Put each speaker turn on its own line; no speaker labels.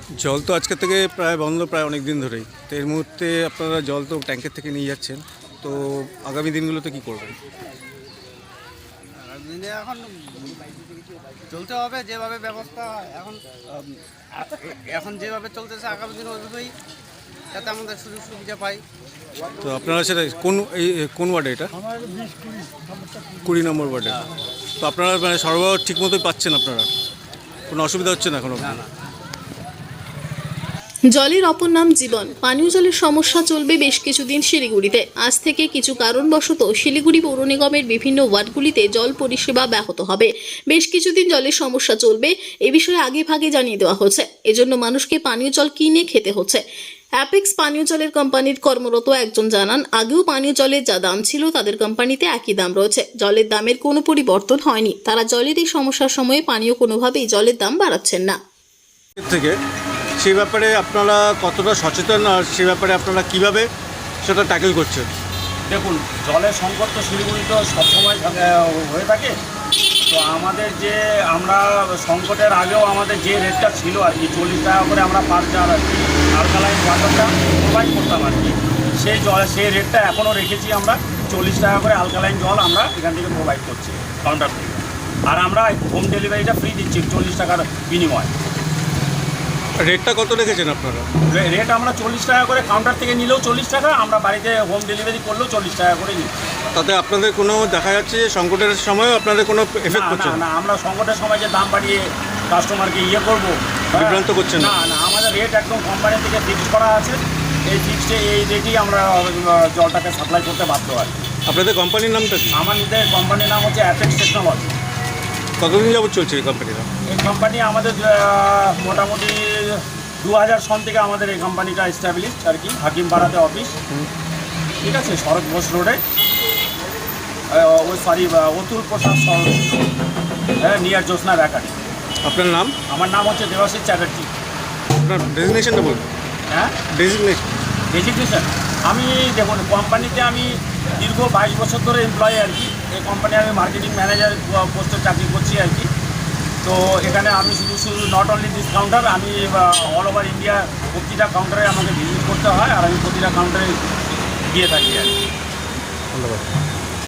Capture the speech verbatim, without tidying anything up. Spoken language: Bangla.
জল তো আজকে থেকে প্রায় বন্ধ, প্রায় অনেক দিন ধরেই। তো এর মুহূর্তে আপনারা জল তো ট্যাঙ্কের থেকে নিয়ে যাচ্ছেন, তো আগামী দিনগুলোতে কী করবেন?
আগামী দিনে এখন চলতে হবে যেভাবে ব্যবস্থা এখন এখন যেভাবে চলতেছে, আগামী দিনে ওইভাবেই যাতে আমাদের সুযোগ সুবিধা পাই।
তো আপনারা সেটা কোন এই কোন ওয়ার্ডে এটা? কুড়ি নম্বর ওয়ার্ডে। তো আপনারা মানে সরবরাহ ঠিক মতোই পাচ্ছেন? আপনারা কোনো অসুবিধা হচ্ছে না এখনো?
না না
জলের অপর নাম জীবন। পানীয় জলের সমস্যা চলবে বেশ কিছুদিন শিলিগুড়িতে। আজ থেকে কিছু কারণবশত শিলিগুড়ি পৌর নিগমের বিভিন্ন ওয়ার্ডগুলিতে জল পরিষেবা ব্যাহত হবে। বেশ কিছুদিন জলের সমস্যা চলবে, এ বিষয়ে আগে ভাগে জানিয়ে দেওয়া হচ্ছে। এজন্য মানুষকে পানীয় জল কিনে খেতে হচ্ছে। অ্যাপেক্স পানীয় জলের কোম্পানির কর্মরত একজন জানান, আগেও পানীয় জলের যা দাম ছিল তাদের কোম্পানিতে একই দাম রয়েছে। জলের দামের কোনো পরিবর্তন হয়নি। তারা জলের এই সমস্যার সময়ে পানীয় কোনোভাবেই জলের দাম বাড়াচ্ছেন না।
থেকে সেই ব্যাপারে আপনারা কতটা সচেতন, আর সে ব্যাপারে আপনারা কিভাবে সেটা ট্যাকেল করছেন?
দেখুন, জলের সংকট তো শিলিগুড়ি তো সবসময় হয়ে থাকে। তো আমাদের যে আমরা সংকটের আগেও আমাদের যে রেটটা ছিল আর কি, চল্লিশ টাকা করে আমরা পার জার আর কি আলকালাইন ওয়াটারটা প্রোভাইড করতাম আর কি, সেই জল সেই রেটটা এখনও রেখেছি আমরা। চল্লিশ টাকা করে আলকালাইন জল আমরা এখান থেকে প্রোভাইড করছি কাউন্টার থেকে। আর আমরা হোম ডেলিভারিটা ফ্রি দিচ্ছি চল্লিশ টাকার বিনিময়।
রেটটা কত রেখেছেন আপনারা?
রেট আমরা চল্লিশ টাকা করে, কাউন্টার থেকে নিলেও চল্লিশ টাকা, আমরা বাড়িতে হোম ডেলিভারি করলেও চল্লিশ টাকা করে নিই।
তাতে আপনাদের কোনো দেখা যাচ্ছে যে সংকটের সময়ও আপনাদের কোনো এফেক্ট
না
করছে
না
না?
না, আমরা সংকটের সময় যে দাম বাড়িয়ে কাস্টমারকে ইয়ে করবো,
বিভ্রান্ত করছেন না?
না না, আমাদের রেট একদম কোম্পানি থেকে ফিক্স করা আছে। এই ফিক্সডে এই রেটেই আমরা জলটাকে সাপ্লাই করতে বাধ্য হয়।
আপনাদের কোম্পানির নামটা কি?
আমাদের কোম্পানির নাম হচ্ছে অ্যাপেক্স টেকনোলজি।
কতদিন যাবত চলছে এই কোম্পানিটা?
এই কোম্পানি আমাদের আহ, মোটামুটি দু হাজার সন থেকে আমাদের এই কোম্পানিটা এস্টাবলিশ আর কি, হাকিমপাড়াতে অফিস। ঠিক আছে, শরৎ বোস রোডে, ওই সরি অতুল প্রসাদ সরোজ, হ্যাঁ, নিয়ার জ্যোৎস্না বেকারি।
আপনার নাম?
আমার নাম হচ্ছে দেবাশিস চ্যাটার্জি।
আপনার ডেজিগনেশনটা বলুন।
হ্যাঁ,
ডেজিগনেশন?
ডেজিগনেশন আমি দেখুন, কোম্পানিতে আমি দীর্ঘ বাইশ বছর ধরে এমপ্লয়ি আর কি। এই কোম্পানি আমি মার্কেটিং ম্যানেজার পোস্টে চাকরি করছি আর কি। তো এখানে আমি শুধু শুধু নট অনলি দিস কাউন্টার, আমি অল ওভার ইন্ডিয়া প্রতিটা কাউন্টারে আমাকে ভিজিট করতে হয়, আর আমি প্রতিটা কাউন্টারে গিয়ে থাকি আর কি।
ধন্যবাদ।